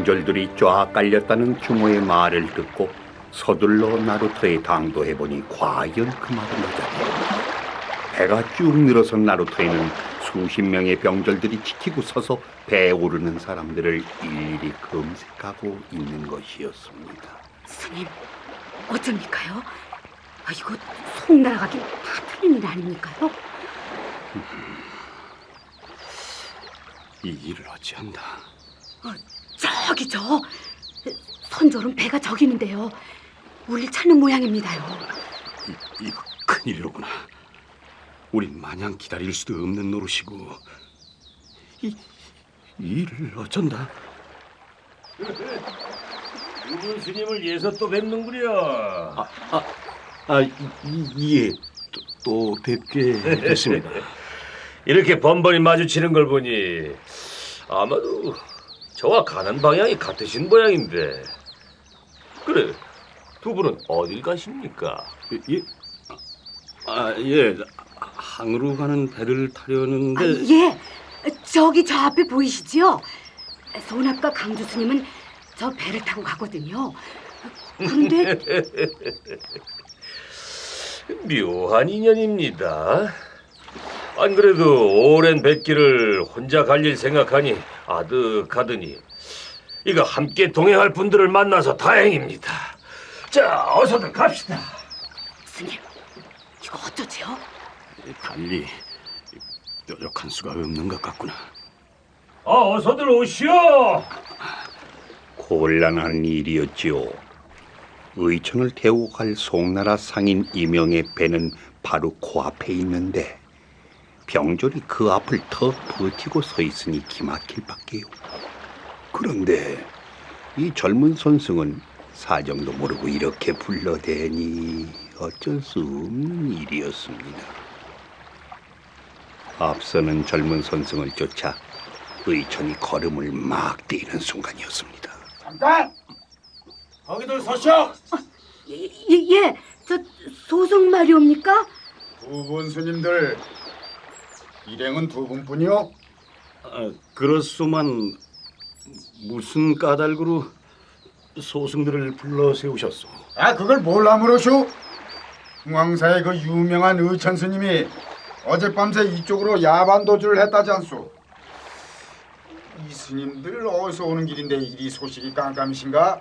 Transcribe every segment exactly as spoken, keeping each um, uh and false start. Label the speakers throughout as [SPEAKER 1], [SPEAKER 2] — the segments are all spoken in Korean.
[SPEAKER 1] 병졸들이 쫙 깔렸다는 규모의 말을 듣고 서둘러 나루토에 당도해보니 과연 그 말은 맞았다. 배가 쭉 늘어선 나루토에는 수십 명의 병졸들이 지키고 서서 배에 오르는 사람들을 일일이 검색하고 있는 것이었습니다.
[SPEAKER 2] 스님, 어쩝니까요? 아, 이거 속 날아가긴 다 틀린 일 아닙니까요?
[SPEAKER 3] 이 일을 어찌한다.
[SPEAKER 2] 어, 저기 저 선조는 배가 저기 있는데요. 우릴 찾는 모양입니다요.
[SPEAKER 3] 이, 이거 큰일이로구나. 우린 마냥 기다릴 수도 없는 노릇이고 이, 이 일을 어쩐다.
[SPEAKER 4] 우분 스님을 예서 또 뵙는구려.
[SPEAKER 3] 아, 아, 아 이, 예, 또, 또 뵙게 됐습니다.
[SPEAKER 4] 이렇게 번번이 마주치는 걸 보니 아마도 저와 가는 방향이 같으신 모양인데. 그래, 두 분은 어딜 가십니까?
[SPEAKER 3] 예, 아, 예, 항으로 가는 배를 타려는데.
[SPEAKER 2] 아, 예, 저기 저 앞에 보이시지요? 소납과 강주 스님은 저 배를 타고 가거든요. 그런데
[SPEAKER 4] 묘한 인연입니다. 안 그래도 오랜 뱃길을 혼자 갈 일 생각하니 아득하더니 이거 함께 동행할 분들을 만나서 다행입니다. 자, 어서들 갑시다.
[SPEAKER 2] 스님, 이거 어쩌지요?
[SPEAKER 3] 달리 뾰족한 수가 없는 것 같구나.
[SPEAKER 4] 아, 어서들 오시오.
[SPEAKER 1] 곤란한 일이었지요. 의천을 태우고 갈 송나라 상인 이명의 배는 바로 코앞에 있는데 병졸이 그 앞을 더 버티고 서 있으니 기막힐 밖에요. 그런데 이 젊은 선승은 사정도 모르고 이렇게 불러대니 어쩔 수 없는 일이었습니다. 앞서는 젊은 선승을 쫓아 의천이 걸음을 막 뛰는 순간이었습니다.
[SPEAKER 5] 잠깐! 거기들 서시오!
[SPEAKER 2] 예, 예, 예, 저 소송 말이옵니까?
[SPEAKER 5] 두 분 스님들 일행은 두 분뿐이요?
[SPEAKER 3] 아, 그렇소만 무슨 까닭으로 소승들을 불러 세우셨소?
[SPEAKER 5] 아, 그걸 뭘 아무러쇼? 중앙사의 그 유명한 의천 스님이 어젯밤새 이쪽으로 야반 도주를 했다지 않소? 이 스님들 어디서 오는 길인데 이리 소식이 깜깜이신가?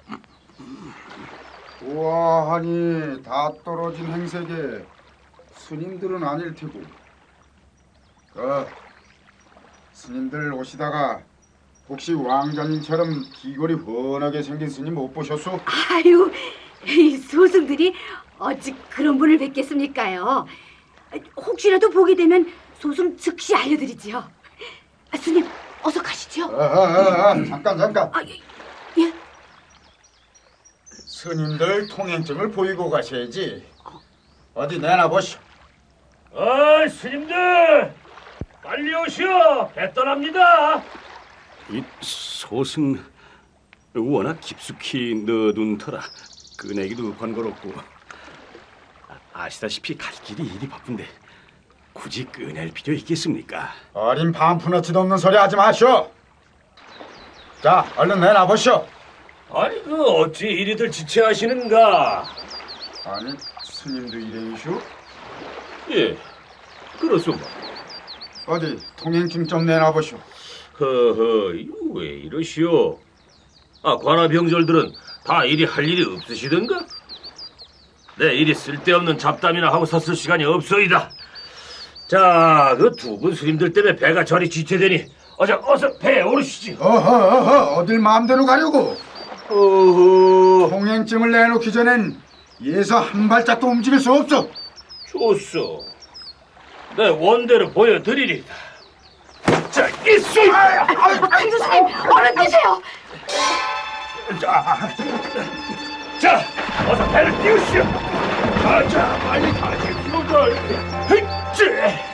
[SPEAKER 5] 우아하니 다 떨어진 행색에 스님들은 아닐 테고. 그 스님들 오시다가 혹시 왕자님처럼 귀골이 훤하게 생긴 스님 못 보셨소?
[SPEAKER 2] 아유, 이 소승들이 어찌 그런 분을 뵙겠습니까요? 혹시라도 보게 되면 소승 즉시 알려드리지요. 아, 스님, 어서 가시죠.
[SPEAKER 5] 아, 아, 아, 잠깐 잠깐.
[SPEAKER 2] 아, 예, 예?
[SPEAKER 5] 스님들 통행증을 보이고 가셔야지. 어디 내놔보시오.
[SPEAKER 4] 어이, 스님들, 빨리 오시오. 배 떠납니다.
[SPEAKER 3] 이 소승 워낙 깊숙이 넣어둔 터라 꺼내기도 번거롭고 아시다시피 갈 길이 이리 바쁜데 굳이 꺼낼 필요 있겠습니까?
[SPEAKER 5] 어린 반푼어치도 없는 소리 하지 마시오. 자, 얼른 내놔보시오.
[SPEAKER 4] 아니, 그 어찌 이리들 지체하시는가?
[SPEAKER 5] 아니, 스님도 일행이시오?
[SPEAKER 4] 예, 그렇소마.
[SPEAKER 5] 어디 통행증 좀 내놔보시오.
[SPEAKER 4] 허허, 이거 왜 이러시오? 아, 관아병졸들은 다 이리 할 일이 없으시던가? 네, 이리 쓸데없는 잡담이나 하고 섰을 시간이 없소이다. 자, 그 두 분 스님들 때문에 배가 저리 지체되니 어서 어서 배에 오르시지.
[SPEAKER 5] 어허, 어허, 어딜 마음대로 가려고?
[SPEAKER 4] 어허,
[SPEAKER 5] 통행증을 내놓기 전엔 예서 한 발짝도 움직일 수 없어.
[SPEAKER 4] 좋소. 내 원대로 보여드리리다. 자, 이수!
[SPEAKER 2] 강주 스님, 얼른 드세요.
[SPEAKER 4] 자, 자, 어서 배를 띄우시오. 가자, 빨리 가십시오다. 헤이쯔!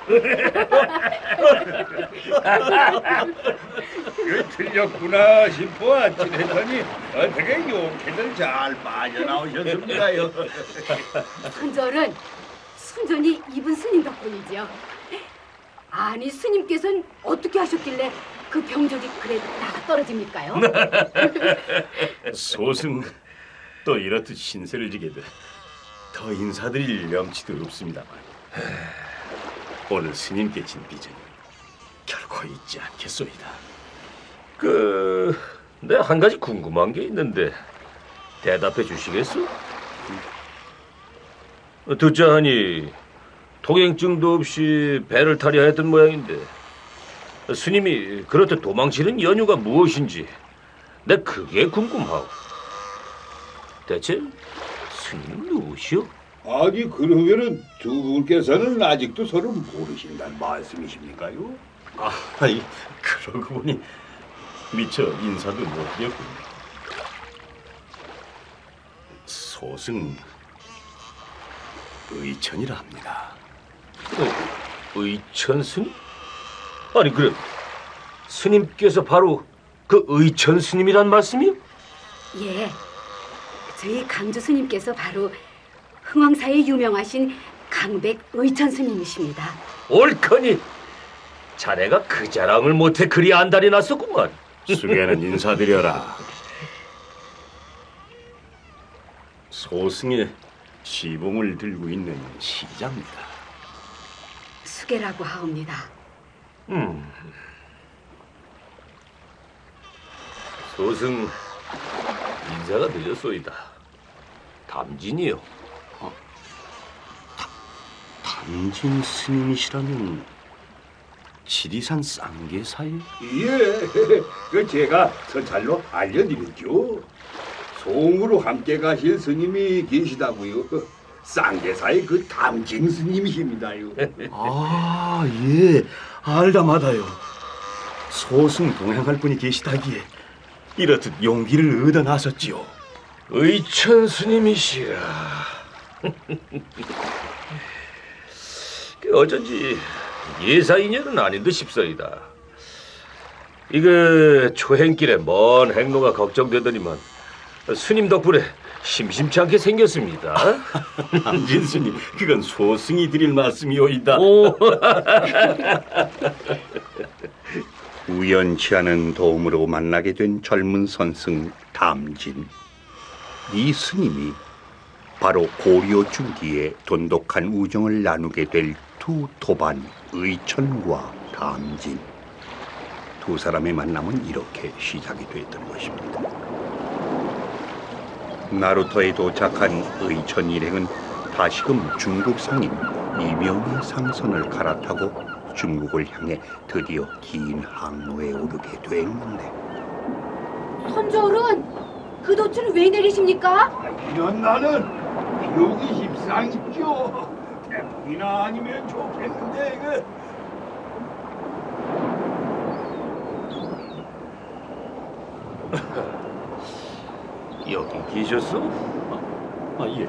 [SPEAKER 1] 그 틀렸구나 싶어 아찔했더니 어떻게 용케들 잘 빠져나오셨습니다요.
[SPEAKER 2] 손절은 순전히 이분 스님 덕분이죠. 아니 스님께서는 어떻게 하셨길래 그 병적이 그래 나가 떨어집니까요?
[SPEAKER 3] 소승 또 이렇듯 신세를 지게 돼 더 인사드릴 명치도 없습니다만 오늘 스님께 진 빚은 결코 잊지 않겠소이다.
[SPEAKER 4] 그, 내 한 가지 궁금한 게 있는데 대답해 주시겠어? 듣자 하니 통행증도 없이 배를 타려 했던 모양인데 스님이 그렇듯 도망치는 연유가 무엇인지 내 그게 궁금하오. 대체 스님은 누구시오?
[SPEAKER 1] 아니 그러면은 두 분께서는 아직도 서로 모르신다는 말씀이십니까요?
[SPEAKER 3] 아, 아이, 그러고 보니 미처 인사도 못드렸군요. 소승 의천이라 합니다.
[SPEAKER 4] 어, 의천 스님? 아니 그럼 스님께서 바로 그 의천 스님이란 말씀이요?
[SPEAKER 2] 예, 저희 강주 스님께서 바로 흥왕사에 유명하신 강백 의천 스님이십니다.
[SPEAKER 4] 옳거니 자네가 그 자랑을 못해 그리 안달이 났었구만.
[SPEAKER 3] 수계는 인사드려라. 소승의 시봉을 들고 있는 시자입니다.
[SPEAKER 2] 수계라고 하옵니다.
[SPEAKER 4] 음. 소승 인사가 늦었소이다. 담진이요.
[SPEAKER 3] 담진 스님이시라면 지리산 쌍계사에?
[SPEAKER 1] 예, 그 제가 선찰로 알려드렸죠. 송으로 함께 가실 스님이 계시다고요. 쌍계사의 그 담진 스님이십니다요.
[SPEAKER 3] 아, 예, 알다마다요. 소승 동행할 분이 계시다기에 이렇듯 용기를 얻어 나섰지요.
[SPEAKER 4] 의천 스님이시라. 그 어쩐지 예사 인연은 아닌 듯 싶소이다. 이거 초행길에 먼 행로가 걱정되더니만 스님 덕분에 심심치 않게 생겼습니다.
[SPEAKER 3] 담진 스님, 그건 소승이 드릴 말씀이오이다.
[SPEAKER 4] 오.
[SPEAKER 1] 우연치 않은 도움으로 만나게 된 젊은 선승 담진. 이 스님이 바로 고려 중기에 돈독한 우정을 나누게 될 두 도반 의천과 담진. 두 사람의 만남은 이렇게 시작이 됐던 것입니다. 나루터에 도착한 의천 일행은 다시금 중국 상인 이명의 상선을 갈아타고 중국을 향해 드디어 긴 항로에 오르게 됐는데,
[SPEAKER 2] 손절은 그 도출 왜 내리십니까?
[SPEAKER 1] 이런 나는 비옥이 십상이죠. 태풍이나 아니면 좋겠는데 이거.
[SPEAKER 4] 여기 계셨어?
[SPEAKER 3] 아, 예.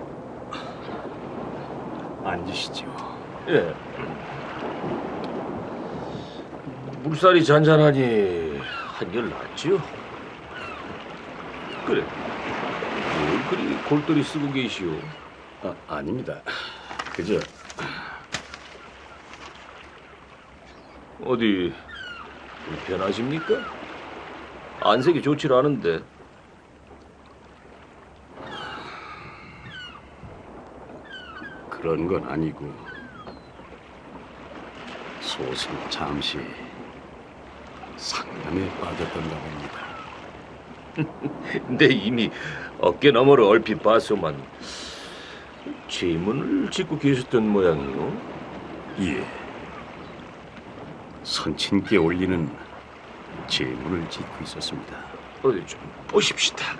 [SPEAKER 3] 앉으시죠.
[SPEAKER 4] 예. 물살이 잔잔하니 한결 낫지요? 그래. 뭘 그리 골똘히 쓰고 계시오?
[SPEAKER 3] 아, 아닙니다. 그저
[SPEAKER 4] 어디 불편하십니까? 안색이 좋질 않은데.
[SPEAKER 3] 그런 건 아니고 소승 잠시 상담에 빠졌던가 봅니다.
[SPEAKER 4] 근데 이미 어깨 너머로 얼핏 봤소만 제문을 짓고 계셨던 모양이요.
[SPEAKER 3] 예. 선친께 올리는 제문을 짓고 있었습니다.
[SPEAKER 4] 어디 좀 보십시다.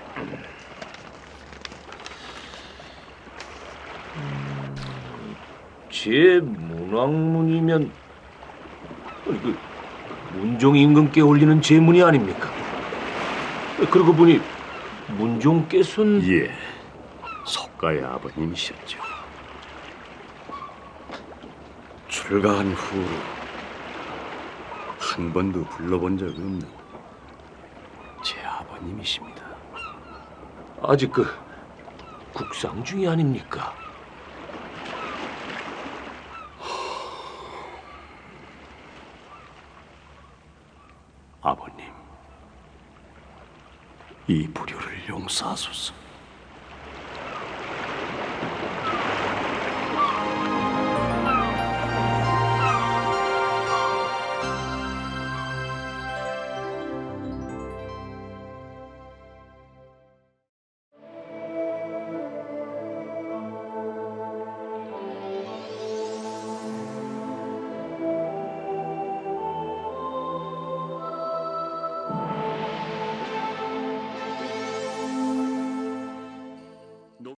[SPEAKER 4] 제 문왕문이면 그 문종 임금께 올리는 제문이 아닙니까? 그러고 보니 문종께서는
[SPEAKER 3] 예. 석가의 아버님이셨죠. 불가한 후 한 번도 불러본 적 없는 제 아버님이십니다.
[SPEAKER 4] 아직 그 국상 중이 아닙니까?
[SPEAKER 3] 아버님, 이 불효를 용서하소서.